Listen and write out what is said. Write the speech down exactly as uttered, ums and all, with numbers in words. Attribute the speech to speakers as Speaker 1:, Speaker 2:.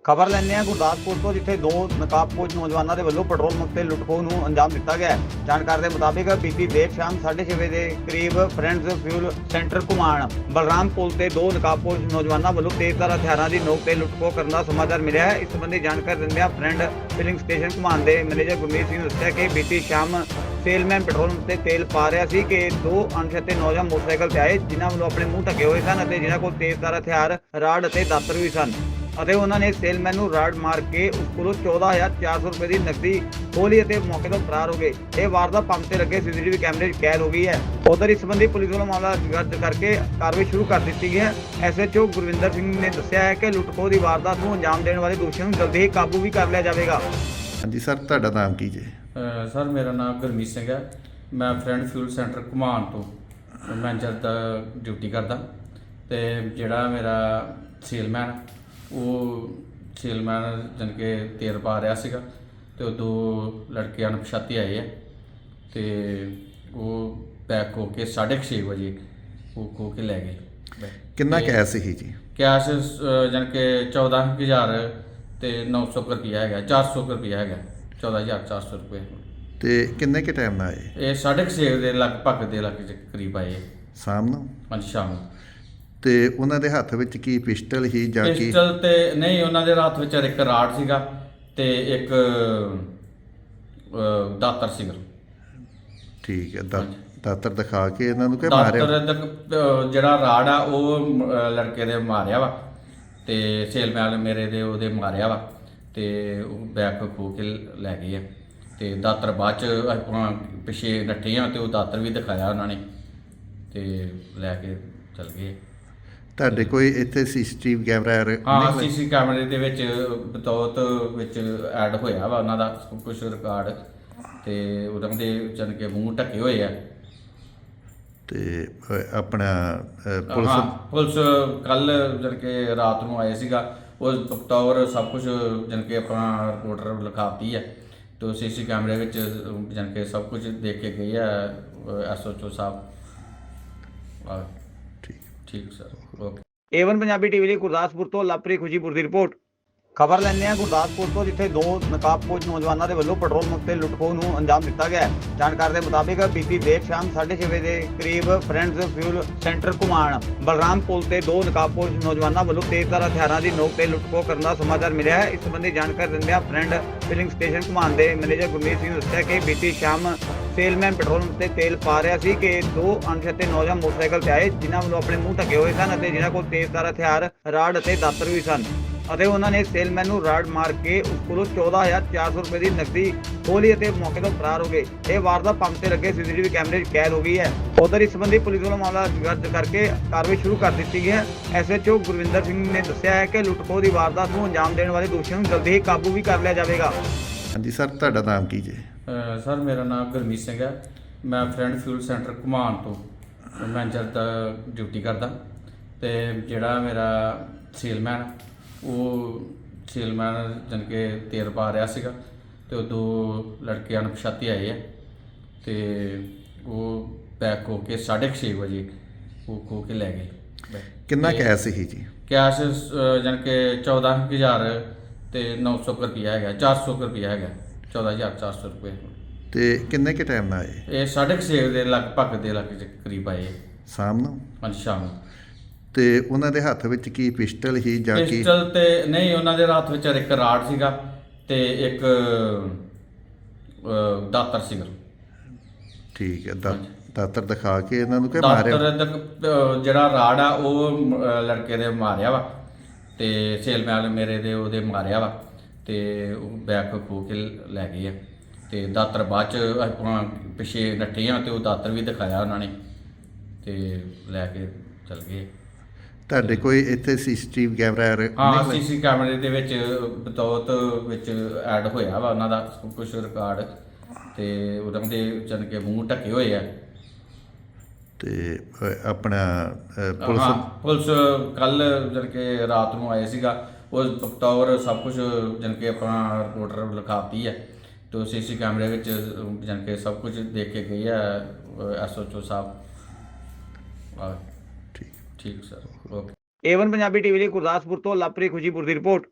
Speaker 1: ਖਬਰ ਲੈਂਦੇ ਹਾਂ ਗੁਰਦਾਸਪੁਰ ਤੋਂ, ਜਿੱਥੇ ਦੋ ਨਕਾਬਪੋਸ਼ ਨੌਜਵਾਨਾਂ ਦੇ ਵੱਲੋਂ ਪੈਟਰੋਲ ਪੰਪ ਤੇ ਲੁੱਟਖੋਹ ਨੂੰ ਅੰਜਾਮ ਦਿੱਤਾ ਗਿਆ ਹੈ। ਜਾਣਕਾਰੀ ਦੇ ਮੁਤਾਬਿਕ ਬੀਤੀ ਦੇਰ ਸ਼ਾਮ ਸਾਢੇ ਛੇ ਵਜੇ ਦੇ ਕਰੀਬ friends fuel centre Ghuman Balram ਪੁਲ ਤੇ ਦੋ ਨਕਾਬਪੋਸ਼ ਨੌਜਵਾਨਾਂ ਵੱਲੋਂ ਤੇਜ਼ਧਾਰ ਹਥਿਆਰਾਂ ਦੀ ਨੋਕ ਤੇ ਲੁੱਟਖੋਹ ਕਰਨ ਦਾ ਸਮਾਚਾਰ ਮਿਲਿਆ ਹੈ। ਇਸ ਸੰਬੰਧੀ ਜਾਣਕਾਰੀ ਦਿੰਦਿਆਂ ਫਰੈਂਡ ਫਿਲਿੰਗ ਸਟੇਸ਼ਨ ਘੁਮਾਣ ਦੇ ਮੈਨੇਜਰ ਗੁਰਮੀਤ ਸਿੰਘ ਨੇ ਦੱਸਿਆ ਕਿ ਬੀਤੀ ਸ਼ਾਮ ਸੇਲਮੈਨ ਪੈਟਰੋਲ ਪੰਪ ਤੇ ਤੇਲ ਪਾ ਰਿਹਾ ਸੀ ਕਿ ਦੋ ਅਣਛਾਤੇ ਨੌਜਵਾਨ ਮੋਟਰਸਾਈਕਲ ਤੇ ਆਏ, ਜਿਨ੍ਹਾਂ ਵੱਲੋਂ ਆਪਣੇ ਮੂੰਹ ਢਕੇ ਹੋਏ ਸਨ ਅਤੇ ਜਿਨ੍ਹਾਂ ਕੋਲ ਤੇਜ਼ਧਾਰ ਹਥਿਆਰ, ਰਾੜ ਅਤੇ ਦਾਤਰ ਵੀ ਸਨ ਅਤੇ ਉਹਨਾਂ ਨੇ ਸੇਲਮੈਨ ਨੂੰ ਰਾੜ ਮਾਰ ਕੇ ਉਸ ਕੋਲੋਂ ਚੌਦਾਂ ਹਜ਼ਾਰ ਚਾਰ ਸੌ ਰੁਪਏ ਦੀ ਨਕਦੀ ਖੋਹ ਲਈ ਅਤੇ ਮੌਕੇ ਤੋਂ ਫਰਾਰ ਹੋ ਗਏ। ਇਹ ਵਾਰਦਾਤ ਪੰਪ ਤੇ ਲੱਗੇ ਸੀਸੀਟੀਵੀ ਕੈਮਰੇ 'ਚ ਕੈਦ ਹੋ ਗਈ ਹੈ। ਉਧਰ ਇਸ ਸੰਬੰਧੀ ਪੁਲਿਸ ਵੱਲੋਂ ਮਾਮਲਾ ਦਰਜ ਕਰਕੇ ਕਾਰਵਾਈ ਸ਼ੁਰੂ ਕਰ ਦਿੱਤੀ ਗਈ ਹੈ। ਐਸਐਚਓ ਗੁਰਵਿੰਦਰ ਸਿੰਘ ਨੇ ਦੱਸਿਆ ਹੈ ਕਿ ਲੁੱਟਖੋਹ ਦੀ ਵਾਰਦਾਤ ਨੂੰ ਅੰਜਾਮ ਦੇਣ ਵਾਲੇ ਦੋਸ਼ੀਆਂ ਨੂੰ ਜਲਦੀ ਹੀ ਕਾਬੂ ਵੀ ਕਰ ਲਿਆ ਜਾਵੇਗਾ।
Speaker 2: ਹਾਂਜੀ ਸਰ, ਤੁਹਾਡਾ ਨਾਮ ਕੀ ਜੀ?
Speaker 3: ਸਰ ਮੇਰਾ ਨਾਮ ਗੁਰਮੀਤ ਸਿੰਘ ਹੈ। ਮੈਂ ਫਰੈਂਡ ਫਿਊਲ ਸੈਂਟਰ ਘੁਮਾਣ ਤੋਂ ਮੈਨੇਜਰ ਦਾ ਡਿਊਟੀ ਕਰਦਾ ਅਤੇ ਜਿਹੜਾ ਮੇਰਾ ਸੇਲਮੈਨ ਉਹ ਸੇਲਮੈਨ ਜਾਣੀ ਕਿ ਤੇਲ ਪਾ ਰਿਹਾ ਸੀਗਾ ਅਤੇ ਉਹ ਦੋ ਲੜਕੇ ਅਣਪਛਾਤੇ ਆਏ ਹੈ ਅਤੇ ਉਹ ਬੈਗ ਖੋਹ ਕੇ ਸਾਢੇ ਕੁ ਛੇ ਵਜੇ ਉਹ ਖੋਹ ਕੇ ਲੈ ਗਏ।
Speaker 2: ਕਿੰਨਾ ਕੈਸ਼ ਸੀ ਜੀ?
Speaker 3: ਕੈਸ਼ ਜਾਣੀ ਕਿ ਚੌਦਾਂ ਹਜ਼ਾਰ ਅਤੇ ਨੌ ਸੌ ਕੁ ਰੁਪਈਆ ਹੈਗਾ, ਚਾਰ ਸੌ ਕੁ ਰੁਪਈਆ ਹੈਗਾ, ਚੌਦਾਂ ਹਜ਼ਾਰ ਚਾਰ ਸੌ ਰੁਪਏ।
Speaker 2: ਤੇ ਕਿੰਨੇ ਕੁ ਟਾਈਮ ਨਾਲ ਆਏ?
Speaker 3: ਇਹ ਸਾਢੇ ਕੁ ਛੇ ਦੇ ਲਗਭਗ ਦੇ ਲੱਗ ਕਰੀਬ ਆਏ
Speaker 2: ਸ਼ਾਮ ਨੂੰ?
Speaker 3: ਪੰਜ ਸ਼ਾਮ ਨੂੰ।
Speaker 2: ਤੇ ਉਹਨਾਂ ਦੇ ਹੱਥ ਵਿੱਚ ਕੀ ਪਿਸਟਲ ਹੀ ਜਾਂ ਕੀ?
Speaker 3: ਪਿਸਟਲ ਤੇ ਨਹੀਂ, ਉਹਨਾਂ ਦੇ ਹੱਥ ਵਿੱਚ ਇੱਕ ਰਾੜ ਸੀਗਾ ਤੇ ਇੱਕ ਦਾਤਰ ਸੀਗਾ।
Speaker 2: ਠੀਕ ਹੈ, ਦਾ ਦਾਤਰ ਦਿਖਾ ਕੇ ਇਹਨਾਂ ਨੂੰ ਕਿ ਮਾਰਿਆ?
Speaker 3: ਦਾਤਰ ਜਿਹੜਾ ਰਾੜ ਆ ਉਹ ਲੜਕੇ ਦੇ ਮਾਰਿਆ ਵਾ ਤੇ ਸੇਲਮੈਨ ਮੇਰੇ ਦੇ ਉਹਦੇ ਮਾਰਿਆ ਵਾ ਤੇ ਉਹ ਬੈਗ ਖੋਹ ਕੇ ਲੈ ਗਏ ਆ ਤੇ ਦਾਤਰ ਬਾਅਦ ਚ ਆਪਾਂ ਪਿੱਛੇ ਨੱਠੇ ਆ ਤੇ ਉਹ ਦਾਤਰ ਵੀ ਦਿਖਾਇਆ ਉਹਨਾਂ ਨੇ ਤੇ ਲੈ ਕੇ ਚਲ ਗਏ।
Speaker 2: ਤੁਹਾਡੇ ਕੋਈ ਇੱਥੇ ਸੀਸੀਟੀਵੀ ਕੈਮਰਾ?
Speaker 3: ਹਾਂ, ਸੀਸੀ ਕੈਮਰੇ ਦੇ ਵਿੱਚ ਬਤੌਤ ਵਿੱਚ ਐਡ ਹੋਇਆ ਵਾ ਉਹਨਾਂ ਦਾ ਕੁਝ ਰਿਕਾਰਡ ਤੇ ਉਹਨਾਂ ਦੇ ਜਾਣੀ ਕਿ ਮੂੰਹ ਢੱਕੇ ਹੋਏ ਆ।
Speaker 2: ਤੇ ਆਪਣਾ ਪੁਲਿਸ
Speaker 3: ਹਾਂ, ਪੁਲਿਸ ਕੱਲ ਜਾਣੀ ਕਿ ਰਾਤ ਨੂੰ ਆਏ ਸੀਗਾ, ਉਹ ਬਤੌਰ ਸਭ ਕੁਝ ਜਾਣੀ ਕਿ ਆਪਣਾ ਰਿਪੋਰਟਰ ਲਿਖਾਤੀ ਹੈ ਤੇ ਸੀਸੀ ਕੈਮਰੇ ਵਿੱਚ ਜਾਣੀ ਕਿ ਸਭ ਕੁਝ ਦੇਖ ਕੇ ਗਏ ਆ ਐਸਓਚਓ ਸਾਹਿਬ।
Speaker 2: ਠੀਕ
Speaker 3: ਠੀਕ sir, okay.
Speaker 1: A one Punjabi TV ਲਈ ਗੁਰਦਾਸਪੁਰ ਤੋਂ ਲਵਪ੍ਰੀਤ ਖੁਸ਼ੀਪੁਰ ਦੀ ਰਿਪੋਰਟ। ਖਬਰ ਲੈਂਦੇ ਹਾਂ ਗੁਰਦਾਸਪੁਰ ਤੋਂ, ਜਿੱਥੇ ਦੋ ਨਕਾਬਪੋਸ਼ ਨੌਜਵਾਨਾਂ ਦੇ ਵੱਲੋਂ ਪੈਟਰੋਲ ਪੰਪ ਤੇ ਲੁੱਟਖੋਹ ਨੂੰ ਅੰਜਾਮ ਦਿੱਤਾ ਗਿਆ ਹੈ। ਜਾਣਕਾਰੀ ਦੇ ਮੁਤਾਬਿਕ ਬੀਤੀ ਦੇਰ ਸ਼ਾਮ ਸਾਢੇ ਛੇ ਵਜੇ ਦੇ ਕਰੀਬ friends fuel centre Ghuman Balram ਪੁਲ ਤੇ ਦੋ ਨਕਾਬਪੋਸ਼ ਨੌਜਵਾਨਾਂ ਵੱਲੋਂ ਤੇਜ਼ਧਾਰ ਹਥਿਆਰਾਂ ਦੀ ਨੋਕ ਤੇ ਲੁੱਟਖੋਹ ਕਰਨ ਦਾ ਸਮਾਚਾਰ ਮਿਲਿਆ ਹੈ। ਇਸ ਸੰਬੰਧੀ ਜਾਣਕਾਰੀ ਦਿੰਦਿਆਂ ਫਰੈਂਡ ਫਿਲਿੰਗ ਸਟੇਸ਼ਨ ਘੁਮਾਣ ਦੇ ਮੈਨੇਜਰ ਗੁਰਮੀਤ ਸਿੰਘ ਨੇ ਦੱਸਿਆ ਕਿ ਬੀਤੀ ਸ਼ਾਮ ਸੇਲਮੈਨ ਪੈਟਰੋਲ ਪੰਪ ਤੇ ਤੇਲ ਪਾ ਰਿਹਾ ਸੀ ਕਿ ਦੋ ਅਣਛਾਤੇ ਨੌਜਵਾਨ ਮੋਟਰਸਾਈਕਲ ਤੇ ਆਏ, ਜਿਨ੍ਹਾਂ ਵੱਲੋਂ ਆਪਣੇ ਮੂੰਹ ਢਕੇ ਹੋਏ ਸਨ ਅਤੇ ਜਿਨ੍ਹਾਂ ਕੋਲ ਤੇਜ਼ਧਾਰ ਹਥਿਆਰ, ਰਾੜ ਅਤੇ ਦਾਤਰ ਵੀ ਸਨ ਅਤੇ ਉਹਨਾਂ ਨੇ ਸੇਲਮੈਨ ਨੂੰ ਰਾੜ ਮਾਰ ਕੇ ਉਸ ਕੋਲੋਂ ਚੌਦਾਂ ਹਜ਼ਾਰ ਚਾਰ ਸੌ ਰੁਪਏ ਦੀ ਨਕਦੀ ਖੋਹ ਲਈ ਅਤੇ ਮੌਕੇ ਤੋਂ ਫਰਾਰ ਹੋ ਗਏ। ਇਹ ਵਾਰਦਾਤ ਪੰਪ ਤੇ ਲੱਗੇ ਸੀਸੀਟੀਵੀ ਕੈਮਰੇ 'ਚ ਕੈਦ ਹੋ ਗਈ ਹੈ। ਉਧਰ ਇਸ ਸੰਬੰਧੀ ਪੁਲਿਸ ਵੱਲੋਂ ਮਾਮਲਾ ਦਰਜ ਕਰਕੇ ਕਾਰਵਾਈ ਸ਼ੁਰੂ ਕਰ ਦਿੱਤੀ ਗਈ ਹੈ। ਐਸਐਚਓ ਗੁਰਵਿੰਦਰ ਸਿੰਘ ਨੇ ਦੱਸਿਆ ਹੈ ਕਿ ਲੁੱਟਖੋਹ ਦੀ ਵਾਰਦਾਤ ਨੂੰ ਅੰਜਾਮ ਦੇਣ ਵਾਲੇ ਦੋਸ਼ੀਆਂ ਨੂੰ ਜਲਦੀ ਹੀ ਕਾਬੂ ਵੀ ਕਰ ਲਿਆ ਜਾਵੇਗਾ।
Speaker 2: ਹਾਂਜੀ ਸਰ, ਤੁਹਾਡਾ ਨਾਮ ਕੀ ਜੀ?
Speaker 3: ਸਰ ਮੇਰਾ ਨਾਮ ਗੁਰਮੀਤ ਸਿੰਘ ਹੈ। ਮੈਂ ਫਰੈਂਡ ਫਿਊਲ ਸੈਂਟਰ ਘੁਮਾਣ ਤੋਂ ਮੈਨੇਜਰ ਦਾ ਡਿਊਟੀ ਕਰਦਾ ਅਤੇ ਜਿਹੜਾ ਮੇਰਾ ਸੇਲਮੈਨ ਉਹ ਸੇਲਮੈਨ ਜਾਣੀ ਕਿ ਤੇਲ ਪਾ ਰਿਹਾ ਸੀਗਾ ਅਤੇ ਉਹ ਦੋ ਲੜਕੇ ਅਣਪਛਾਤੇ ਆਏ ਆ ਅਤੇ ਉਹ ਬੈਗ ਖੋਹ ਕੇ ਸਾਢੇ ਕੁ ਛੇ ਵਜੇ ਉਹ ਖੋਹ ਕੇ ਲੈ ਗਏ।
Speaker 2: ਕਿੰਨਾ ਕੈਸ਼ ਸੀ ਜੀ?
Speaker 3: ਕੈਸ਼ ਜਾਣੀ ਕਿ ਚੌਦਾਂ ਹਜ਼ਾਰ ਅਤੇ ਨੌ ਸੌ ਕੁ ਰੁਪਈਆ ਹੈਗਾ, ਚਾਰ ਸੌ ਕੁ ਰੁਪਈਆ ਹੈਗਾ, ਚੌਦਾਂ ਹਜ਼ਾਰ ਚਾਰ ਸੌ ਰੁਪਏ।
Speaker 2: ਤੇ ਕਿੰਨੇ ਕੁ ਟਾਈਮ ਨਾਲ ਆਏ?
Speaker 3: ਇਹ ਸਾਢੇ ਕੁ ਛੇ ਦੇ ਲਗਭਗ ਦੇ ਲੱਗ ਕਰੀਬ ਆਏ
Speaker 2: ਸ਼ਾਮ ਨੂੰ?
Speaker 3: ਪੰਜ ਸ਼ਾਮ ਨੂੰ।
Speaker 2: ਤੇ ਉਹਨਾਂ ਦੇ ਹੱਥ ਵਿੱਚ ਕੀ ਪਿਸਟਲ ਹੀ ਜਾਂ ਕੀ?
Speaker 3: ਪਿਸਟਲ ਤੇ ਨਹੀਂ, ਉਹਨਾਂ ਦੇ ਹੱਥ ਵਿੱਚ ਇੱਕ ਰਾੜ ਸੀਗਾ ਤੇ ਇੱਕ ਦਾਤਰ ਸੀਗਾ।
Speaker 2: ਠੀਕ ਹੈ, ਦਾ ਦਾਤਰ ਦਿਖਾ ਕੇ ਇਹਨਾਂ ਨੂੰ ਕਿ ਮਾਰਿਆ?
Speaker 3: ਦਾਤਰ ਜਿਹੜਾ ਰਾੜ ਆ ਉਹ ਲੜਕੇ ਦੇ ਮਾਰਿਆ ਵਾ ਤੇ ਸੇਲਮੈਨ ਮੇਰੇ ਦੇ ਉਹਦੇ ਮਾਰਿਆ ਵਾ ਤੇ ਉਹ ਬੈਗ ਖੋਹ ਕੇ ਲੈ ਗਏ ਆ ਤੇ ਦਾਤਰ ਬਾਅਦ ਚ ਆਪਾਂ ਪਿੱਛੇ ਨੱਠੇ ਆ ਤੇ ਉਹ ਦਾਤਰ ਵੀ ਦਿਖਾਇਆ ਉਹਨਾਂ ਨੇ ਤੇ ਲੈ ਕੇ ਚਲ ਗਏ।
Speaker 2: ਤੁਹਾਡੇ ਕੋਈ ਇੱਥੇ ਸੀਸੀਟੀਵੀ ਕੈਮਰਾ?
Speaker 3: ਹਾਂ, ਸੀਸੀ ਕੈਮਰੇ ਦੇ ਵਿੱਚ ਬਤੌਤ ਵਿੱਚ ਐਡ ਹੋਇਆ ਵਾ ਉਹਨਾਂ ਦਾ ਕੁਝ ਰਿਕਾਰਡ ਤੇ ਉਹਨਾਂ ਦੇ ਜਾਣੀ ਕਿ ਮੂੰਹ ਢੱਕੇ ਹੋਏ ਆ। ਤੇ
Speaker 2: ਆਪਣਾ ਪੁਲਿਸ
Speaker 3: ਹਾਂ, ਪੁਲਿਸ ਕੱਲ ਜਾਣੀ ਕਿ ਰਾਤ ਨੂੰ ਆਏ ਸੀਗਾ, ਉਹ ਬਤੌਰ ਸਭ ਕੁਝ ਜਾਣੀ ਕਿ ਆਪਣਾ ਰਿਪੋਰਟਰ ਲਿਖਾਤੀ ਹੈ ਤੇ ਸੀਸੀ ਕੈਮਰੇ ਵਿੱਚ ਜਾਣੀ ਕਿ ਸਭ ਕੁਝ ਦੇਖ ਕੇ ਗਏ ਆ ਐਸਓਚਓ ਸਾਹਿਬ। ਠੀਕ ਠੀਕ sir, okay.
Speaker 1: A one Punjabi TV ਲਈ ਗੁਰਦਾਸਪੁਰ ਤੋਂ ਲਵਪ੍ਰੀਤ ਖੁਸ਼ੀਪੁਰ ਦੀ ਰਿਪੋਰਟ।